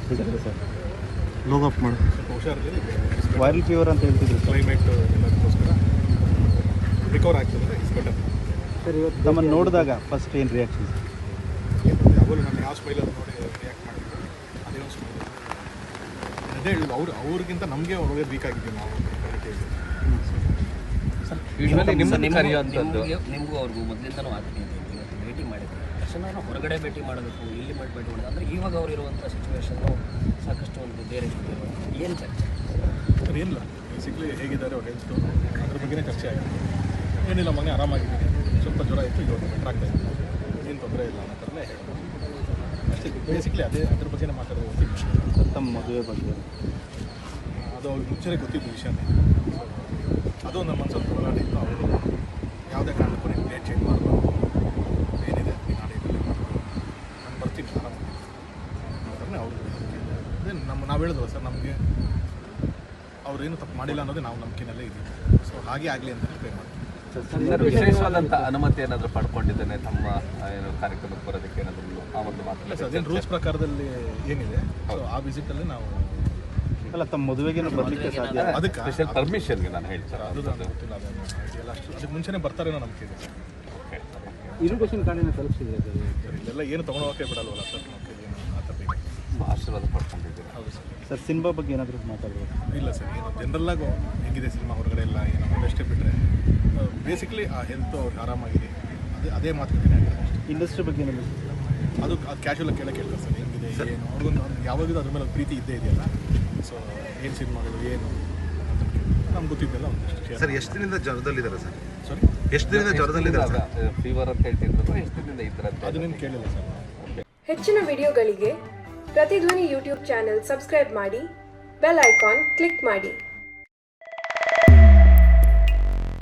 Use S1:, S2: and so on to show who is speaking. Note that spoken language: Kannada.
S1: ಸರ್ ಲೋಗ್ ಅಪ್ ಮಾಡಿ
S2: ಹುಷಾರಿಲ್ಲ,
S1: ವೈರಲ್ ಫೀವರ್ ಅಂತ ಹೇಳ್ತಿದ್ರು
S2: ಕ್ಲೈಮೇಟ್ ಎಲ್ಲದಕ್ಕೋಸ್ಕರ ರಿಕವರ್ ಆಗ್ತದೆ, ಇಟ್ಸ್ ಬೆಟರ್.
S1: ಸರ್ ಇವತ್ತು ತಮ್ಮನ್ನು ನೋಡಿದಾಗ ಫಸ್ಟ್ ಏನು ರಿಯಾಕ್ಷನ್?
S2: ಯಾವಾಗಲೂ ನಾನು ಯಾವ ಸ್ಮೈಲಲ್ಲಿ ನೋಡಿ ರಿಯಾಕ್ಟ್ ಮಾಡಿದ್ರು ಅದೇ ಒಂದು ಸ್ಮೈಲ್. ಅದೇ ಹೇಳಿ ಅವ್ರಿಗಿಂತ ನಮಗೆ ಒಳ್ಳೆ ವೀಕ್ ಆಗಿದ್ದೀವಿ ನಾವು.
S3: ನಿಮಗೂ ಅವ್ರಿಗೂ ಮೊದಲಿಂದನೂ ಆಗ್ತೀನಿ ಇವತ್ತು ಭೇಟಿ ಮಾಡಿದ್ರು ತಕ್ಷಣ ಹೊರಗಡೆ ಭೇಟಿ ಮಾಡಬೇಕು, ಇಲ್ಲಿ ಭೇಟಿ ಮಾಡೋದು ಅಂದರೆ ಇವಾಗ ಅವ್ರು ಇರುವಂಥ ಸಿಚುವೇಶನ್ನು ಸಾಕಷ್ಟು ಒಂದು ಬೇರೆ ಏನು ಚರ್ಚೆ
S2: ಸರ್? ಏನಿಲ್ಲ, ಬೇಸಿಕ್ಲಿ ಹೇಗಿದ್ದಾರೆ ಅವ್ರ ಹೆಲ್ತು ಅದ್ರ ಬಗ್ಗೆನೇ ಚರ್ಚೆ ಆಗಿದೆ. ಏನಿಲ್ಲ, ಮೊನ್ನೆ ಆರಾಮಾಗಿದ್ದೀನಿ, ಸ್ವಲ್ಪ ಜ್ವರ ಇತ್ತು, ಇವಾಗ ಬೆಟರ್ ಆಗ್ತಾ ಇತ್ತು, ಏನು ತೊಂದರೆ ಇಲ್ಲ ಅನ್ನೋ ಥರನೇ ಹೇಳೋದು ಅಷ್ಟೇ. ಬೇಸಿಕ್ಲಿ ಅದ್ರ ಬಗ್ಗೆನೇ ಮಾತಾಡೋದು.
S1: ಸರ್ ತಮ್ಮ ಮದುವೆ ಬಗ್ಗೆ
S2: ಅದು ಅವ್ರಿಗೆ ಮುಂಚೆನೇ ಗೊತ್ತಿದ್ದು ವಿಷಯನೇ. ಅದು ನಮ್ಮ ಮನಸ್ಸಲ್ಲಿ ಹೋರಾಟ ಇತ್ತು. ಅವರು ಯಾವುದೇ ಕಾರಣಕ್ಕೂ ನೀವು ಡೇಟ್ ಚೇಂಜ್ ಮಾಡಬಾರ್ದು, ಏನಿದೆ ನೀನು ಆಡೇಟಲ್ಲಿ ಮಾಡ್ಬೋದು, ನಾನು ಬರ್ತೀನಿ ಆರಾಮಾಗಿ ಅನ್ನೋದನ್ನೇ ಅವರು. ಅದೇ ನಾವು ಹೇಳಿದ್ವಲ್ಲ ಸರ್, ನಮಗೆ ಅವ್ರೇನು ತಪ್ಪು ಮಾಡಿಲ್ಲ ಅನ್ನೋದೇ ನಾವು ನಂಬಿಕೆನಲ್ಲೇ ಇದ್ದೀವಿ. ಸೊ ಹಾಗೆ ಆಗಲಿ ಅಂತಲೇ ಪ್ರೇ ಮಾಡ್ತೀವಿ.
S4: ವಿಶೇಷವಾದಂಥ ಅನುಮತಿ ಏನಾದರೂ ಪಡ್ಕೊಂಡಿದ್ದೇನೆ ತಮ್ಮ ಏನು ಕಾರ್ಯಕ್ರಮಕ್ಕೆ ಬರೋದಕ್ಕೆ ಏನಾದರೂ ಆ ಒಂದು ಮಾತು?
S2: ಸರ್ ಅದೇನು ರೂಲ್ಸ್ ಪ್ರಕಾರದಲ್ಲಿ ಏನಿದೆ, ಸೊ ಆ ವಿಸಿಟಲ್ಲಿ ನಾವು
S1: ಅಲ್ಲ ತಮ್ಮ ಮದುವೆಗೇನು ಬರಲಿಕ್ಕೆ ಸಾಧ್ಯ?
S2: ಅದಕ್ಕೆ
S4: ಸ್ಪೆಷಲ್ ಪರ್ಮಿಷನ್ಗೆ ನಾನು ಹೇಳ್ತಾರೆ
S2: ಅದು ನನಗೆ ಗೊತ್ತಿಲ್ಲ, ಅದನ್ನು ಇದೆಲ್ಲ ಅಷ್ಟು ಅದಕ್ಕೆ ಮುಂಚೆನೇ ಬರ್ತಾರೇನೋ ನಂಬಿಕೆ ಇದೆ ಸರ್.
S1: ಇರುಗೇಷನ್ ಕಾರ್ಡಿನ ತಲುಪಿಸಿದ್ರೆ
S2: ಸರ್ ಇಲ್ಲೆಲ್ಲ ಏನು ತೊಗೊಳೋಕೆ ಬಿಡಲ್ವಲ್ಲ ಸರ್, ನಮಗೆ ಏನು ಆ ಥರ ಬೇಕು.
S4: ಆಶೀರ್ವಾದ ಪಡ್ಕೊಂಡಿದ್ದೀರಾ?
S2: ಹೌದು ಸರ್.
S1: ಸರ್ ಸಿನಿಮಾ ಬಗ್ಗೆ ಏನಾದರೂ ಮಾತಾಡ್ಬೋದು?
S2: ಇಲ್ಲ ಸರ್, ಏನು ಜನರಲ್ಲಾಗು ಹೆಂಗಿದೆ ಸಿನಿಮಾ ಹೊರಗಡೆ ಎಲ್ಲ ಏನೋ ಅಷ್ಟೇ ಬಿಟ್ಟರೆ ಬೇಸಿಕ್ಲಿ ಆ ಹೆಲ್ತು ಅವ್ರಿಗೆ ಆರಾಮಾಗಿದೆ, ಅದೇ ಮಾತುಕತೆ ಆಗಿದೆ ಅಷ್ಟೇ.
S1: ಇಂಡಸ್ಟ್ರಿ ಬಗ್ಗೆ ಏನಾದರೂ
S2: ಅದು ಕ್ಯಾಶುವಲಾಗಿ ಕೇಳ್ತಾರೆ ಸರ್, ಹೆಂಗಿದೆ ಏನು ಅವ್ರಿಗೊಂದು ಯಾವಾಗಲೂ ಅದ್ರ ಮೇಲೆ ಒಂದು ಪ್ರೀತಿ ಇದ್ದೇ ಇದೆಯಲ್ಲ. ಸೊ ಏನು ಸಿನಿಮಾಗಳು ಏನು ನಮ್ಗೆ ಗೊತ್ತಿದ್ದೆಲ್ಲ ಒಂದಷ್ಟು.
S5: ಸರ್ ಎಷ್ಟು ದಿನದಿಂದ ಜ್ವರದಲ್ಲಿದ್ದಾರೆ ಸರ್?
S2: ಸಾರಿ,
S5: ಎಷ್ಟು ದಿನದಿಂದ ಜ್ವರದಲ್ಲಿದ್ದಾರೆ?
S4: ಫೀವರ್ ಅಂತ ಹೇಳ್ತಿದ್ರು, ಎಷ್ಟು ದಿನದಿಂದ ಇದ್ದಾರೆ?
S2: ಅದನ್ನೇನು ಕೇಳಿಲ್ಲ ಸರ್.
S6: ಹೆಚ್ಚಿನ ವಿಡಿಯೋಗಳಿಗೆ ಪ್ರತಿಧ್ವನಿ ಯೂಟ್ಯೂಬ್ ಚಾನೆಲ್ ಸಬ್ಸ್ಕ್ರೈಬ್ ಮಾಡಿ, ಬೆಲ್ ಐಕಾನ್ ಕ್ಲಿಕ್ ಮಾಡಿ.